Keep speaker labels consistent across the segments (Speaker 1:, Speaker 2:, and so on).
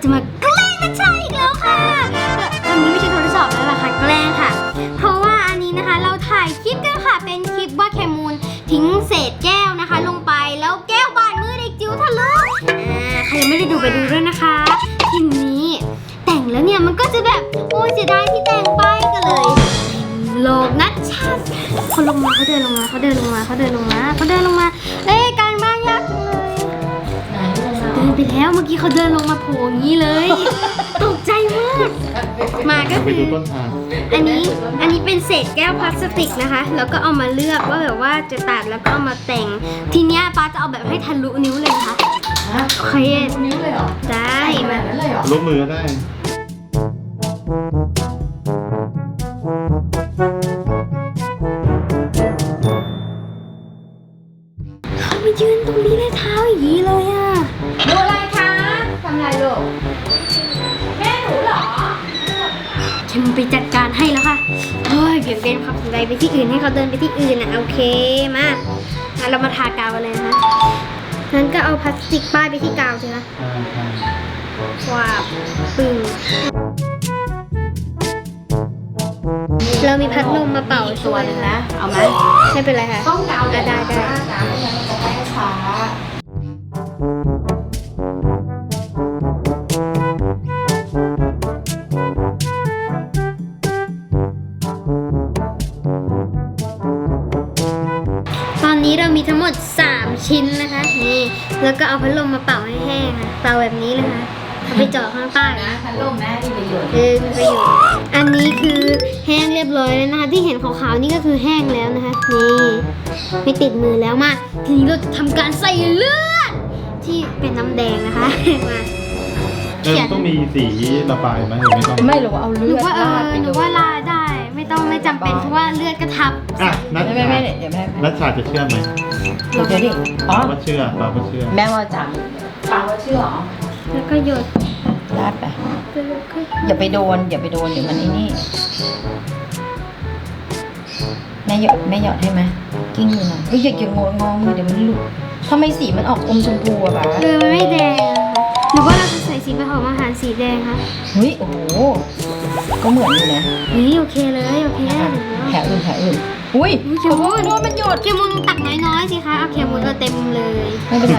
Speaker 1: จะมาแกล้งนัชชาอีกแล้วค่ะอันนี้ไม่ใช่ทดสอบแล้วล่ะค่ะแกล้งค่ะเพราะว่าอันนี้นะคะเราถ่ายคลิปกันค่ะเป็นคลิปว่าเคมูลทิ้งเศษแก้วนะคะลงไปแล้วแก้วบาดมือเด็กจิ๋วทะลุใครยังไม่ได้ดูไปดูด้วยนะคะทีนี้แต่งแล้วเนี่ยมันก็จะแบบโอ้ยเสียดายที่แต่งไปก็เลยโลกนัชชาเขาลงมาเขาเดินลงมาเอ้ยการบ้านยากจังเลยเดินไปแล้วเมื่อกี้เขาเดินลงมาโผล่อย่างนี้เลยตกใจมากมาก็คืออันนี้เป็นเศษแก้วพลาสติกนะคะแล้วก็เอามาเลือกว่าแบบว่าจะตัดแล้วก็เอามาแต่งทีเนี้ยป้าจะเอาแบบให้ทะลุนิ้วเลยค่ะโอเค
Speaker 2: นิ้วเลยเหรอ
Speaker 1: ได้มา
Speaker 3: ลบมือก็ได้
Speaker 1: เขามายืนตรงนี้เลยเท้าอย่างนี้เลยอ่ะ
Speaker 2: ดูอะไรคะทำอะไรลูกแม่หนูเหรอ
Speaker 1: ฉันไปจัดการให้แล้วค่ะเฮ้ยเปลี่ยนเป็นความสนใจไปที่อื่นให้เขาเดินไปที่อื่นนะโอเคมาเรามาทากาวกันเลยนะคะงั้นก็เอาพลาสติกป้ายไปที่กาวสิคะว้าวปึ้งเรามีพัดลมมาเป่าช่วยนะ
Speaker 2: เอาไหม
Speaker 1: ไม่เป็นไรค่ะ
Speaker 2: ต้องกาว
Speaker 1: ได้
Speaker 2: กาวไม่งั้นมันจะแพ้ช้า
Speaker 1: ตอนนี้เรามีทั้งหมด3ชิ้นนะคะนี่แล้วก็เอาพัดลมมาเป่าให้แห้งค่ะเป่าแบบนี้เลยค่ะเอาไปเจาะข้างใต้
Speaker 2: นะพัดลมแม่มีประโยชน์
Speaker 1: มีประโยชน์อันนี้คือแห้งเรียบร้อยแล้วนะคะที่เห็นขาวๆนี่ก็คือแห้งแล้วนะคะนี่ไม่ติดมือแล้วมาทีนี้เราจะทำการใส่เลือดที่เป็นน้ำแดงนะคะมา
Speaker 3: ต้องมีสีระบายไหมหรือไม่ต้อง
Speaker 2: ไม่หรอกเอาเลือด
Speaker 1: หนูว่าลาได้ไม่จำเป็นเพราะว่าเลือดกระทับ
Speaker 3: นัท
Speaker 2: ไม่เดี๋ยวแม่
Speaker 3: นัทชาจะเชื่อไหม
Speaker 2: เดี๋ยวดิ
Speaker 3: ป้าว่าเชื่อ
Speaker 2: แม่ว่าจังป้าว่าเชื่อ
Speaker 1: แล้วก็หยด
Speaker 2: ราดไปอย่าไปโดนเดี๋ยวมันไอ้นี่แม่หยอดให้ไหมกิ้งอยู่หน่อยอย่างงงเดี๋ยวมันหลุดทำไมสีมันออกอมชมพูอะป้า
Speaker 1: มันไม่แดงหรือว่าเราจะใส่สีผสมอาหารสีแดงคะ
Speaker 2: เฮ้ยโอ้โหก็เหมือนอยู่นะ
Speaker 1: นี่โอเคเลยโอเค
Speaker 2: แผลอื่นอุ้ย
Speaker 1: เคมูลมันหยดเคมูลตักน้อยๆสิคะเอาเคมูลก็เต็มเลย
Speaker 2: ไม่เป็นไร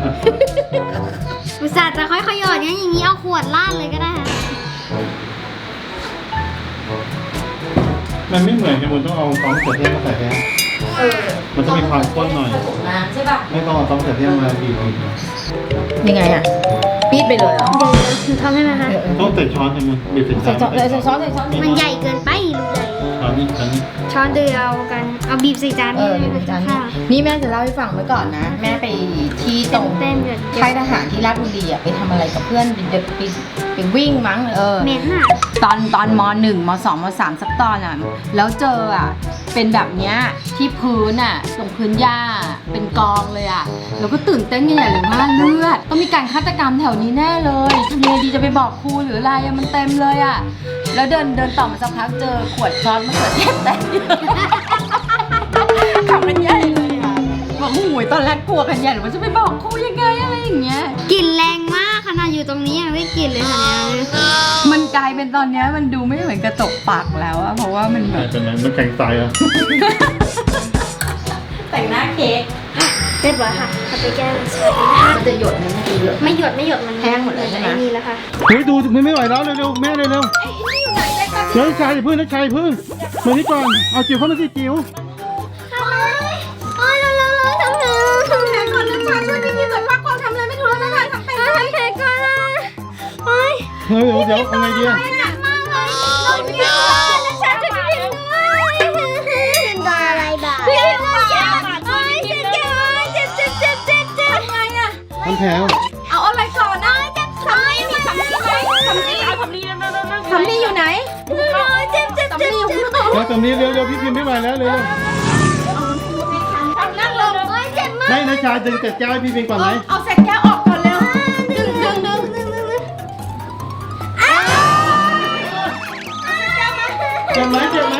Speaker 1: อุตส่าห์จะค่อยๆหยดอย่างนี้เอาขวดลาดเลยก็ได้ค่ะ
Speaker 3: มันไม่เหมือนกันมันต้องเอาต้องเสร็จเทียมมาใส่แค่มันจะมีความข้นหน่อย
Speaker 2: ใช่ป่ะ
Speaker 3: ไม่ต้องเอาต้องเสร็จเทียมมาบีบ
Speaker 2: ยังไงอะปี๊ดไปเลยเหรอ
Speaker 1: หนูทำให้ไหมคะ
Speaker 3: ต้องใส่ช้อนใช่ไหมบีบใส่
Speaker 2: ช้อน
Speaker 1: มันใหญ่เกินไปรูใหญ่ช้อนเดียวกันเอาบีบใส่จาน
Speaker 2: นี่แม่จะเล่าให้ฟังไว้ก่อนนะแม่ไปที่ตรงค่ายทหารที่ราชบุรีอะไปทำอะไรกับเพื่อนไปวิ่งมั้ง
Speaker 1: เมนน่ะ
Speaker 2: ตอนม.1 ม.2 ม.3 สักตอนอ่ะแล้วเจออ่ะเป็นแบบเนี้ยที่พื้นอ่ะตรงพื้นหญ้าเป็นกองเลยอ่ะแล้วก็ตื่นเต้นกันใหญ่เลยว่าเลือดต้องมีการฆาตกรรมแถวนี้แน่เลยทำยังไงดีจะไปบอกครูหรืออะไรมันเต็มเลยอ่ะแล้วเดินต่อมาสักพักเจอขวดซอสมะเขือเทศเต็มทำมันใหญ่เลยอ่ะบอกหูยตอนแรกกลัวกันใหญ่หรือว่าจะไปบอกครูยังไงอะไรอย่างเงี้ย
Speaker 1: กลิ่นแรงมากขนาดอยู่ตรงนี้ยังได้กลิ่นเลยค่ะ
Speaker 2: มันกลายเป็นตอนนี้มันดูไม่เหมือนกระจกปากแล้วอะเพราะว่ามันแบบ
Speaker 3: เป็นมันแข็งใจอะ
Speaker 2: แต่งหน้าเค้ก
Speaker 1: เรียบร้อยค่ะเอาไปแก้
Speaker 2: มันจะหยดไหม
Speaker 1: ไม่หยดมัน
Speaker 2: แห้งหมดเลยใช่ไหม
Speaker 1: นี่แล้วค่ะ
Speaker 3: เฮ้ยดูไม่ไหวแล้วเร็วแม่เร็วนักชายพึ่งมานี่ก่อนเอาจิ๋วเข้ามาสิจิ๋ว
Speaker 2: ทำแผลก่อนนักชายช่วยพี่ๆหน่อยพักก่อนทำอะไรไม่ถูกแล้วนักชายทำแผล
Speaker 1: ก่อน
Speaker 3: เฮ้ยเดี๋ยวเอาไงดีอะ
Speaker 1: หนักมากเลยเราเยอะนักชายช่วยพี่ๆด้วยเป็นตัวอะไรบ้างพี่ๆว่าเจ็บทำไงอะ
Speaker 3: ทำแผล
Speaker 2: เอาอะไรก่อนนะสำลีมีสำลีไหมสำลีอยู่ไหน
Speaker 1: เจ็บ
Speaker 3: สำลีเร็วพี่พิมไม่ไหวแล้วเร็วไม่นะชายดึงเศษแก้วให้พี่พิมก่อนไหม
Speaker 2: เอาเศษแก้วออกก่อนเร็วดึง
Speaker 3: เจ็บไหม
Speaker 1: ไม่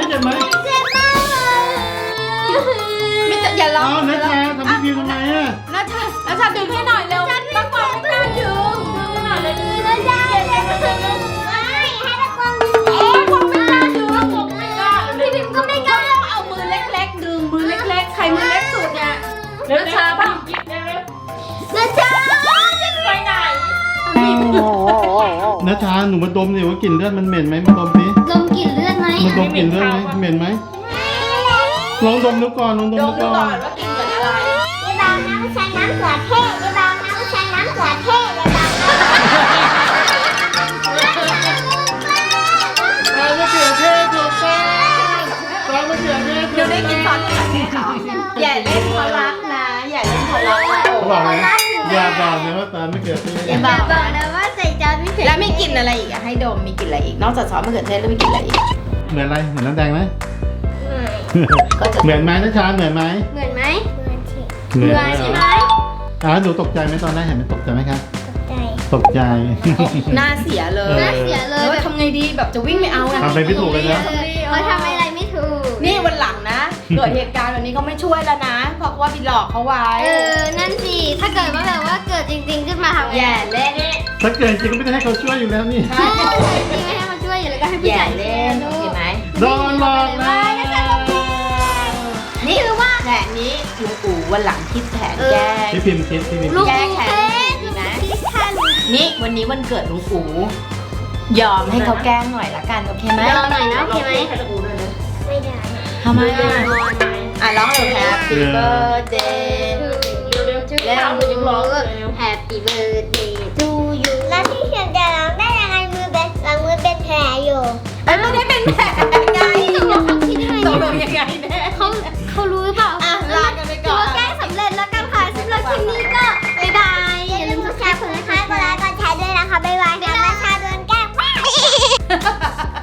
Speaker 2: อย่าร้อง
Speaker 3: นะชายทำพี่พิมทำไมอะ
Speaker 2: นะชาดึงให้หน่อยเร็วป้าปอยไม่กล้าดึง
Speaker 1: แล้วยายให้ตะโกนให้ตะโกนผมไม่กล้าดูว่าผมไม่กล้าพี่พิมก็ไม่กล้า
Speaker 2: เอามือเล็กๆดึงมือเล็กๆใครมือเล็กสุดเนี่ยแล้วชาป่ะ
Speaker 1: นะจ๊ะ
Speaker 2: ไปไหน
Speaker 3: นะชาหนูมาดมดิว่ากลิ่นเลือดมันเหม็นไหมมาดมสิ
Speaker 1: ดมกลิ่นเลือดไหม
Speaker 3: มาดมกลิ่นเลือดไหมเหม็นไหมลองดมดูก่อนลองดม
Speaker 2: ด
Speaker 3: ดู
Speaker 2: มดู
Speaker 3: ก่อ
Speaker 2: ก่อน นว่ากินเหมือนอะไร
Speaker 1: ยายบางน้ำใช้น้ำเกลือเทศยายบางน้ำใช้น้ำเกลือเทศยายบาง
Speaker 3: ซอสมะเขือเทศถูกต้องซอสมะเขือเทศ
Speaker 2: เดี๋ยวได้กินซอสมะเขือเทศเหรออย่าเล่นพลักนะอย่าเล่นพลักนะ
Speaker 3: เขาบอกเลยอย่าบอกนะว่าซอสมะเขือเทศ
Speaker 1: อย่าบอกนะว่าใส่จานไม่เผ็ด
Speaker 2: แล้วมีกลิ่นอะไรอีกอะให้ดมมีกลิ่นอะไรอีกนอกจากซอสมะเขือเทศแล้วมีกลิ่นอะไรอีก
Speaker 3: เหมือนอะไรเหมือนน้ำแดงไหม
Speaker 2: ก็จะ
Speaker 3: เหมือนไหมนะชาเหมือนไหม
Speaker 1: เหมือนไหม
Speaker 3: เหมือน
Speaker 1: ใช่ไหม
Speaker 3: หนูตกใจไหมตอนแรกเห็นไหมตกใจไหมครับ
Speaker 1: ใจ
Speaker 3: ตกใจ
Speaker 2: หน้าเสียเลย
Speaker 1: น่าเสียเลย
Speaker 2: ว่าทำไงดีแบบจะวิ่งไม่เอาอะ
Speaker 3: ทำอะไรไม่ถูกเลยนะ
Speaker 1: เขาทำอะไรไม่ถูก
Speaker 2: นี่วันหลังนะเกิดเหตุการณ์แบบนี้เขาไม่ช่วยแล้วนะ เพราะว่าไปหลอกเขาไว้
Speaker 1: นั่นสิ ถ้าเกิดว่าแบบว่าเกิดจริงๆขึ้นมาทำไง
Speaker 2: แย่เล่น
Speaker 3: ถ้าเกิดจริงก็ไม่ได้ให้เขาช่วยอยู่แล้วนี่
Speaker 1: ใช่จริงๆไม่ให้มาช่วยอยู่แล้วก็ให้ผู้
Speaker 2: แย่
Speaker 1: ใหญ่
Speaker 2: เล่นโอเคไหม
Speaker 3: โดนหลอกนะ
Speaker 2: นี่คือว่าแผนนี้ลุงอู๋วันหลังคิดแผนแก้
Speaker 3: พี่พิมพ์คิดพี่พิมพ์
Speaker 1: ลู
Speaker 3: คิด
Speaker 1: ก
Speaker 2: แก้แค้น
Speaker 1: ดีนะที่แค่รู้
Speaker 2: นี่วันนี้วันเกิดลุงอู๋ยอมให้เขาแกล้งหน่อยละกันโอเคไหม
Speaker 1: รอหน่อยนะโอเคไหมไม่ได้
Speaker 2: ทำไมอ่ะร้องเลย Happy Birthday
Speaker 1: แล้วยังร้องเลย Happy birthday to you แล้วพี่เขียนจะร้องได้ยังไงมือเป็นหลังมือเป็นแผลอยู่
Speaker 2: ไม่ได้เป็นแผนไง
Speaker 1: ตกลงเขาคิดยังไง
Speaker 2: ตกลงยังไงแน่
Speaker 1: เขารู้หรือเปล่า
Speaker 2: อ่ะลากันไปก่อน
Speaker 1: ถืว่าแกล้งสำเร็จแล้วกันค่ะสำหรับคลิปนี้ก็บ๊ายบายอย่าลืมกดแชร์กดไลค์กดไลค์กดแชร์ด้วยนะคะบ๊ายบายค่ะแม่ชาโดนแกล้ง